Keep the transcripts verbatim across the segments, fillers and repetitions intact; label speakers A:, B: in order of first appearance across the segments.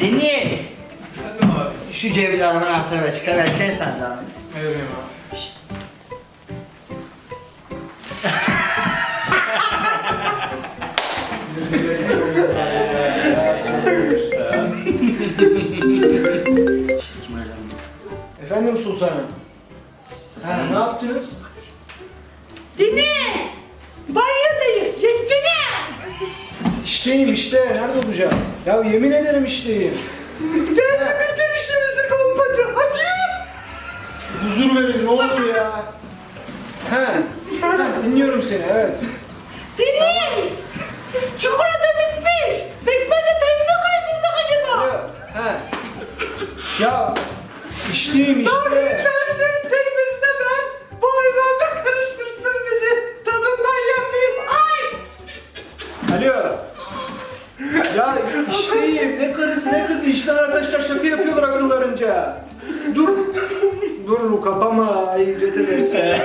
A: Deniz!
B: Efendim abi.
A: Şu cebimden anahtarı çıkar versene sen de abi.
B: Vereyim abi.
A: Kim aradı?
C: Efendim sultanım. Ha, ne yaptınız?
A: Deniz! Banyodayım, gelsene!
C: İşteyim işte. Nerede olacağım? Ya yemin ederim işteyim.
A: Gel de bitir işimizi kolpacı, hadi!
C: Huzur verin ne olur ya. He. Ha, dinliyorum seni evet.
A: Deniz! Çikolata bitmiş! Pekmezle tabii mi karıştırsak acaba?
C: Ya, he. Ya işteyim
A: Tanrı
C: işte.
A: sensin, pekmezi de ben! Bu hayvanla karıştırsın bizi! Tadından yenmeyiz, ay!
C: Alo. Ya işteyim. Ne karısı ne kızı. İşten arkadaşlar şaka yapıyorlar akıllarınca. Dur. Dur kapama. Ay ücret edersin.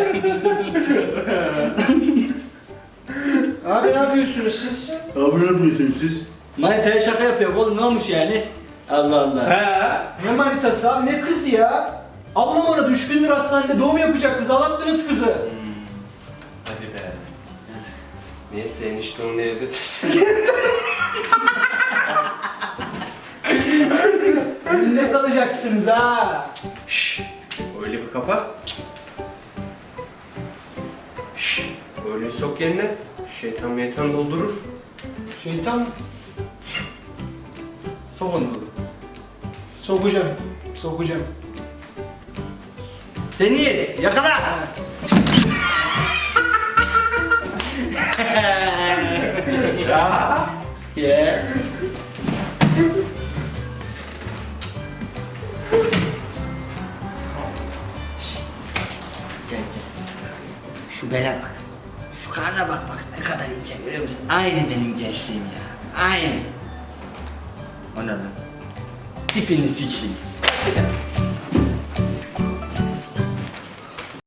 C: Abi ne yapıyorsunuz siz?
D: Abi ne yapıyorsunuz siz?
A: Manitaya şaka yapıyor oğlum, ne olmuş yani? Allah Allah.
C: He. Ne manitası abi ne kızı ya? Ablam ona düşkündür hastanede doğum yapacak kız ağlattınız kızı.
B: Hadi be. Neyse enişte onu evde tesin.
C: Önünde kalacaksınız ha.
B: Şşş. Öyle bir kapa. Şşş. Öyle sok yerine. Şeytan meytan doldurur.
C: Şeytan
A: Sok onu oğlum.
C: sokacağım. Sokacağım.
A: Deniz, yakala!
C: Ya.
A: Yeah. Gel gel. Şu bele bak. Şu karna bak, bak ne kadar ince, görüyor musun? Aynı benim gençliğim ya. Aynı. O ne lan? Tipini sikeyim.